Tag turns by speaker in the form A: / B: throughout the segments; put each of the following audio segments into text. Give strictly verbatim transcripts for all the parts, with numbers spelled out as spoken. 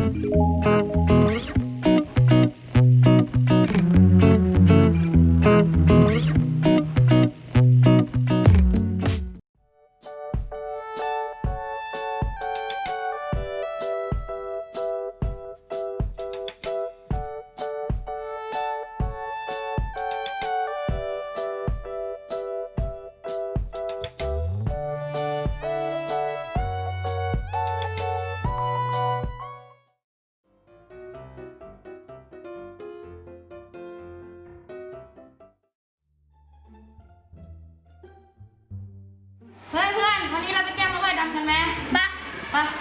A: เพื่อนเพื่อนวันนี้เราไปแก้มาไว้ดำกันไหมปะปะ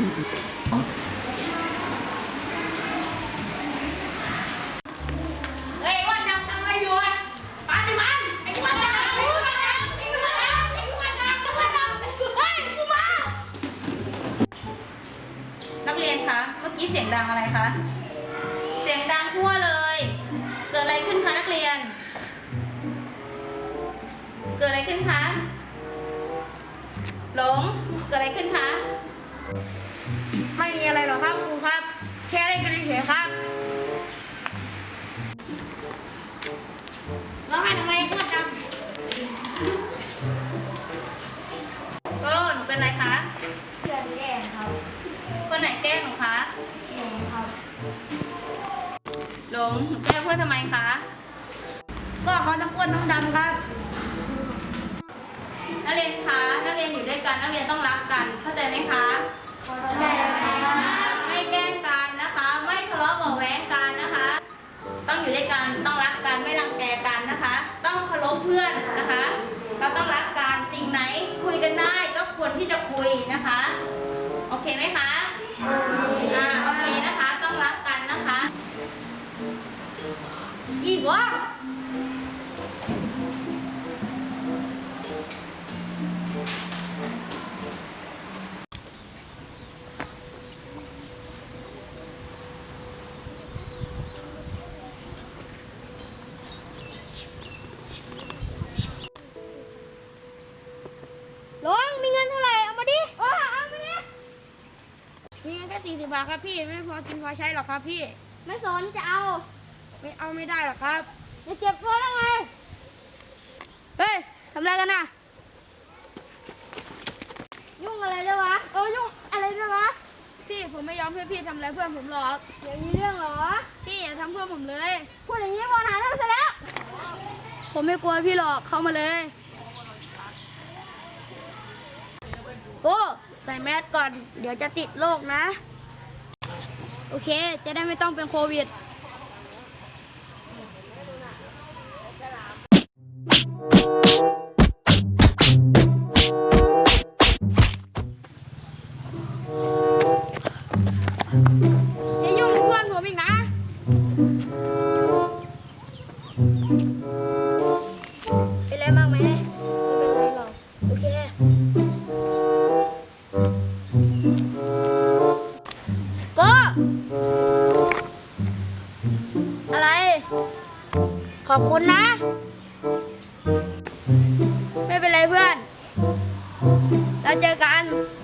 A: เฮ้ยวันดำทำอะไรอยู่อ่ะปันดิมันไอ้วันดำไอ้วันดำไอ้วันดำไอ้วันดำไอ้วันดำเฮ้ยกูมานักเรียนคะเมื่อกี้เสียงดังอะไรคะเสียงดังทั่วเลยเกิดอะไรขึ้นคะนักเรียนเกิดอะไรขึ้นคะหลงเกิดอะไรขึ้นคะไม่มีอะไรหรอกครับครูครับแค่เล่นกันเฉยๆครับร้องไห้ทำไมอ้วนจังก็หนูเป็นอะไรคะเพื่อนแกล้งครับคนไหนแกล้งหนูคะหนูครับหลงหนูแกล้งเพื่อนทำไมคะก็เขาทั้งอ้วนทั้งดำครับนักเรียนคะนักเรียนอยู่ด้วยกันนักเรียนต้องรักกันเข้าใจไหมคะเข้าใจค่ะไม่แกล้งกันนะคะไม่ทะเลาะเบาะแว้งกันนะคะต้องอยู่ด้วยกันต้องรักกันไม่รังแกกันนะคะต้องเคารพเพื่อนนะคะเราต้องรักกันสิ่งไหนคุยกันได้ก็ควรที่จะคุยนะคะโอเคไหมคะอ่าโอเคนะคะต้องรักกันนะคะอีกวะลงมีเงินเท่าไหร่เอามาดิโอ้เอามาดิมีเงินแค่สี่สิบบาทครับพี่ไม่พอกินพอใช้หรอกครับพี่ไม่สนจะเอาไม่เอาไม่ได้หรอกครับจะเก็บเพิ่มได้ไงเฮ้ยทำอะไรกันน่ะยุ่งอะไรด้วยวะเออยุ่งอะไรด้วยวะพี่ผมไม่ยอมให้พี่ทำอะไรเพื่อนผมหรอกอย่างนี้เรื่องเหรอพี่อย่าทำเพื่อนผมเลยพูดอย่างนี้บอลหาเรื่องซะแล้วผมไม่กลัวพี่หรอกเข้ามาเลยโอ้ใส่แมสก่อนเดี๋ยวจะติดโรคนะโอเคจะได้ไม่ต้องเป็นโควิดอย่ายุ่งกับเพื่อนผมอีกนะเป็นไรบ้างไหมไม่เป็นไรหรอกโอเคก็อะไรขอบคุณนะไม่เป็นไรเพื่อนเราเจอกัน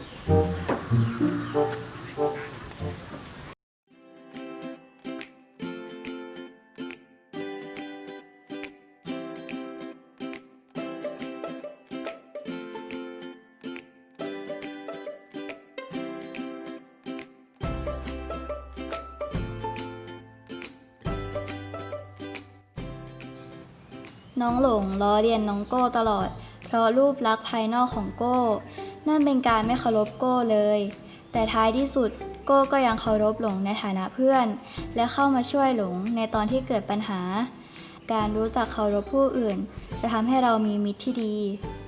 B: น้องหลงล้อเลียนน้องโก้ตลอดเพราะรูปลักษณ์ภายนอกของโก้นั่นเป็นการไม่เคารพโก้เลยแต่ท้ายที่สุดโก้ก็ยังเคารพหลงในฐานะเพื่อนและเข้ามาช่วยหลงในตอนที่เกิดปัญหาการรู้จักเคารพผู้อื่นจะทำให้เรามีมิตรที่ดี